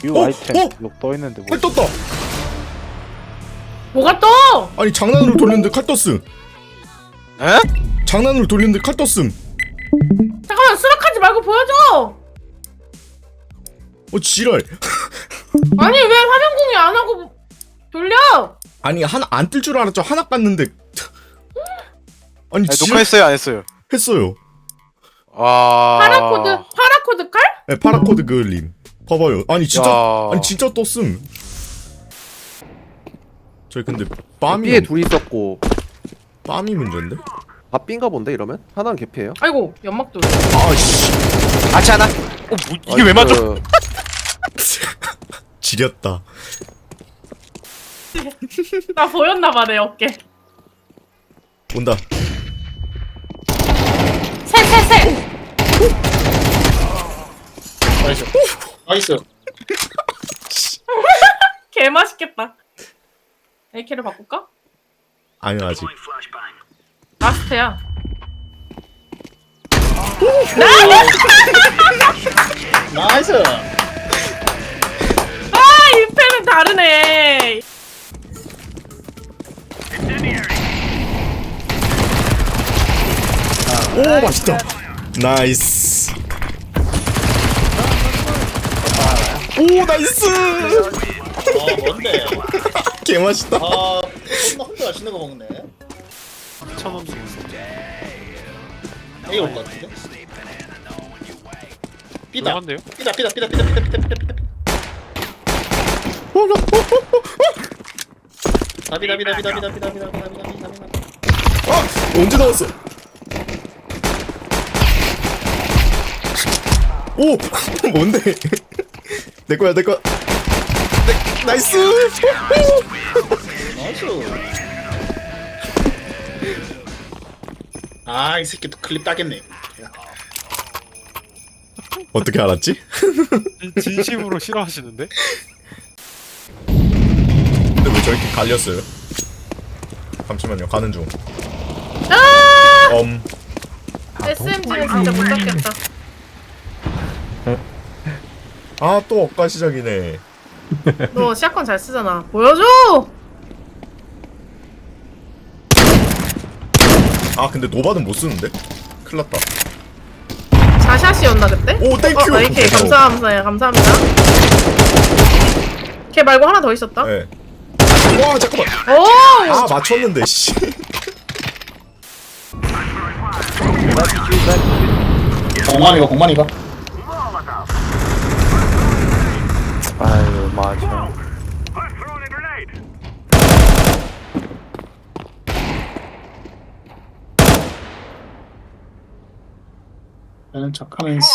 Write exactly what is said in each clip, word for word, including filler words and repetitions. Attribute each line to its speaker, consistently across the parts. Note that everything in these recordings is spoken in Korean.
Speaker 1: 뷰
Speaker 2: 어?
Speaker 1: 아이템
Speaker 2: 어?
Speaker 1: 이거 떠있는데 뭐
Speaker 2: 칼 떴다.
Speaker 3: 뭐가 떠?
Speaker 2: 아니 장난으로 돌렸는데 칼 떴음.
Speaker 4: 에?
Speaker 2: 장난으로 돌렸는데 칼 떴음.
Speaker 3: 잠깐만 수락하지 말고 보여줘.
Speaker 2: 어 지랄.
Speaker 3: 아니 왜 화면 공유 안 하고 돌려?
Speaker 2: 아니 하나 안 뜰 줄 알았죠. 하나 깠는데. 아니
Speaker 4: 아니,
Speaker 2: 지랄
Speaker 4: 녹화했어요 안 했어요?
Speaker 2: 했어요.
Speaker 4: 아.
Speaker 3: 파라코드 파라코드 깔?
Speaker 2: 네, 파라코드 그을림. 봐봐요. 아니 진짜
Speaker 4: 야.
Speaker 2: 아니 진짜 떴음. 저희 근데 빰이
Speaker 5: B에 둘이 있었고
Speaker 2: 빰이 문제인데?
Speaker 5: 아 B인가 본데 이러면? 하나는 개피예요.
Speaker 3: 아이고 연막 돌.
Speaker 2: 아씨
Speaker 4: 아치 하나. 어 뭐, 이게 왜 맞아?
Speaker 2: 지렸다.
Speaker 3: 나 보였나봐 내 어깨.
Speaker 2: 온다.
Speaker 3: 셋셋셋.
Speaker 6: 나이스. 나이스.
Speaker 3: 개 맛있겠다. 에이케이를 바꿀까?
Speaker 2: 아니요 아직.
Speaker 3: 라스트야.
Speaker 6: 나이스.
Speaker 3: 아 이 패는 다르네.
Speaker 2: 오 맛있다. 나이스. 오 나이스.
Speaker 6: 아 뭔데?
Speaker 2: 개 맛있다.
Speaker 6: 아 혼자 혼자 맛있는 거 먹네.
Speaker 4: 천원
Speaker 6: A 올것 같은데? 삐다.
Speaker 4: 한데요?
Speaker 6: 삐다 삐다 삐다 삐다 삐다 삐다 삐다 삐다. 다 삐다 삐다 삐다 삐다 삐다 삐다 삐다 삐다 삐다 삐다.
Speaker 2: 아 언제 나왔어? 오 뭔데? 내 거야 내 거야. 내, 나이스.
Speaker 6: 나이스. 아 이 새끼 또 클립 따겠네.
Speaker 2: 어떻게 알았지?
Speaker 4: 진심으로 싫어하시는데?
Speaker 2: 근데 왜 저렇게 갈렸어요? 잠시만요 가는 중.
Speaker 3: 아
Speaker 2: 엄.
Speaker 3: 에스엠지는 진짜 못 잡겠다.
Speaker 2: 아 또 엇가 시작이네.
Speaker 3: 너 샷건 잘 쓰잖아. 보여줘.
Speaker 2: 아 근데 노바는 못 쓰는데? 큰일 났다.
Speaker 3: 자샷이었나 그때?
Speaker 2: 오 땡큐.
Speaker 3: 어, 에이케이 감사합니다. 감사합니다. 걔 말고 하나 더 있었다.
Speaker 2: 네. 와 잠깐만.
Speaker 3: 오!
Speaker 2: 아 맞췄는데 씨.
Speaker 6: 공만이가 공만이가.
Speaker 1: 아유 맞아.
Speaker 6: 나는 척하면서.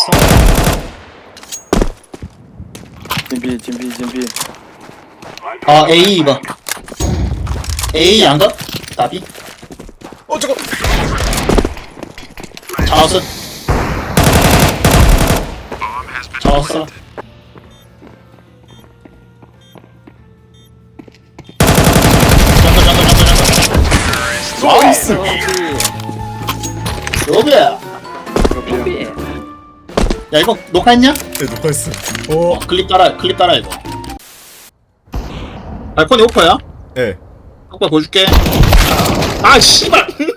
Speaker 1: 진비 진비 진비.
Speaker 6: 아 A 이거. A 안가? 답이?
Speaker 2: 어 잠깐.
Speaker 6: 잡았어. 잡았어. 잠깐 잠깐 잠깐 잠깐.
Speaker 2: 나이스.
Speaker 6: 로비야. 야 이거 녹화했냐?
Speaker 2: 네 녹화했어.
Speaker 6: 어 클립 따라 클립 따라 이거. 발코니 오퍼야?
Speaker 2: 네.
Speaker 6: 오빠 보여줄게. 아 씨발.